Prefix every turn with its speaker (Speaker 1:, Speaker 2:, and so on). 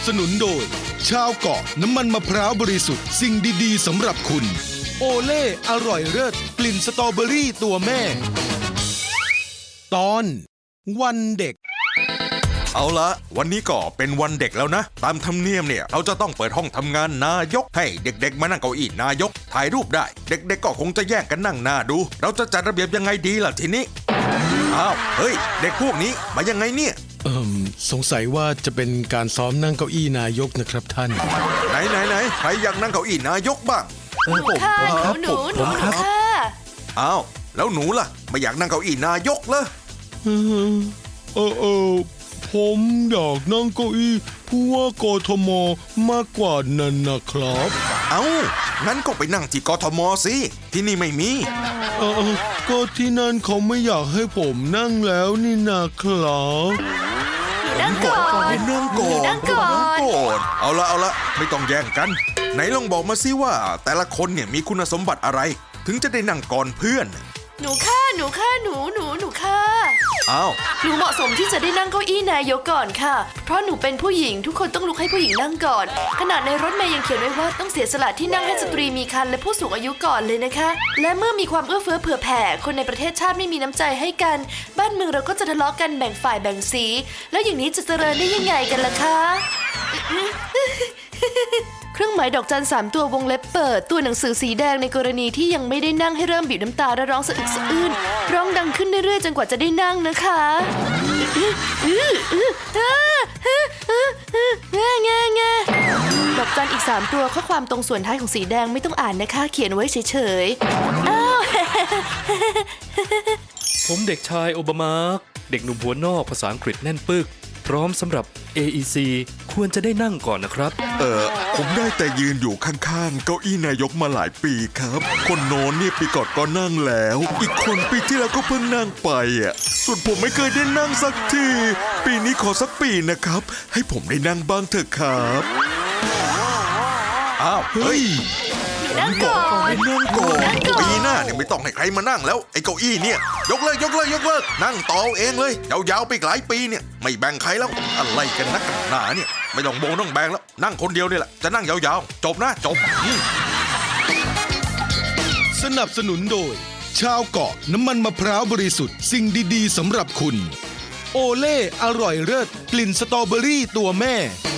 Speaker 1: สนุนโดยชาวเกาะน้ำมันมะพร้าวบริสุทธิ์สิ่งดีๆสำหรับคุณโอเล่อร่อยเลิศกลิ่นสตรอเบอรี่ตัวแม่ตอนวันเด็ก
Speaker 2: เอาละวันนี้ก็เป็นวันเด็กแล้วนะตามธรรมเนียมเนี่ยเราจะต้องเปิดห้องทำงานนายกให้เด็กๆมานั่งเก้าอี้นายกถ่ายรูปได้เด็กๆก็คงจะแย่งกันนั่งหน้าดูเราจะจัดระเบียบยังไงดีล่ะทีนี้อ้าวเฮ้ยเด็กพวกนี้มายังไงเนี่ย
Speaker 1: สงสัยว่าจะเป็นการซ้อมนั่งเก้าอี้นายกนะครับท่าน
Speaker 2: ไหนใครอยากนั่งเก้าอี้นายกบ้าง
Speaker 3: หนูค่ะหนูค่ะ
Speaker 2: อ้าวแล้วหนูล่ะไม่อยากนั่งเก้าอี้นายกเหรอ
Speaker 1: ผมอยากนั่งเก้าอี้ผู้ว่ากทมมากกว่านั้นนะครับ
Speaker 2: งั้นก็ไปนั่งที่กทมสิที่นี่ไม่มี
Speaker 1: ก็ที่นั่นเขาไม่อยากให้ผมนั่งแล้วนี่นะครับ
Speaker 3: นั่งก่อน
Speaker 2: เอาละไม่ต้องแย่งกันไหนลองบอกมาสิว่าแต่ละคนเนี่ยมีคุณสมบัติอะไรถึงจะได้นั่งก่อนเพื่อน
Speaker 3: หนูค่ะหนูค่ะหนูเหมาะสมที่จะได้นั่งเก้าอี้นายกก่อนค่ะเพราะหนูเป็นผู้หญิงทุกคนต้องลุกให้ผู้หญิงนั่งก่อนขนาดในรถเมล์ยังเขียนไว้ว่าต้องเสียสละที่นั่งให้สตรีมีครรภ์และผู้สูงอายุก่อนเลยนะคะและเมื่อมีความเอื้อเฟื้อเผื่อแผ่คนในประเทศชาติไม่มีน้ำใจให้กันบ้านเมืองเราก็จะทะเลาะกันแบ่งฝ่ายแบ่งสีแล้วอย่างนี้จะเจริญได้ยังไงกันล่ะคะเครื่องหมายดอกจัน3ตัววงเล็บเปิดตัวหนังสือสีแดงในกรณีที่ยังไม่ได้นั่งให้เริ่มบีบน้ำตาและร้องสะอึกสะอื้นร้องดังขึ้นเรื่อยๆจนกว่าจะได้นั่งนะคะดอกจันอีก3ตัวข้อความตรงส่วนท้ายของสีแดงไม่ต้องอ่านนะคะเขียนไว้เฉย
Speaker 4: ๆผมเด็กชายโอบามาเด็กหนุ่มหัวนอกภาษาอังกฤษแน่นปึกพร้อมสำหรับ AEC ควรจะได้นั่งก่อนนะครับ
Speaker 2: ผมได้แต่ยืนอยู่ข้างๆเก้าอี้นายกมาหลายปีครับคนโน้นเนี่ยปีก่อนก็นั่งแล้วอีกคนปีที่แล้วก็เพิ่งนั่งไปส่วนผมไม่เคยได้นั่งสักทีปีนี้ขอสักปีนะครับให้ผมได้นั่งบ้างเถอะครับเฮ้ย
Speaker 3: นั่งก่อน
Speaker 2: ปีหน้าเนี่ยไม่ต้องให้ใครมานั่งแล้วไอ้เก้าอี้เนี่ยยกเลิกนั่งต่อเองเลยยาวๆไปหลายปีเนี่ยไม่แบ่งใครแล้วอะไรกันนักกันหนาเนี่ยไม่ต้องแบ่งแล้วนั่งคนเดียวนี่แหละจะนั่งยาวๆจบ
Speaker 1: สนับสนุนโดยชาวเกาะน้ำมันมะพร้าวบริสุทธิ์สิ่งดีๆสำหรับคุณโอเล่อร่อยเลิศกลิ่นสตรอเบอรี่ตัวแม่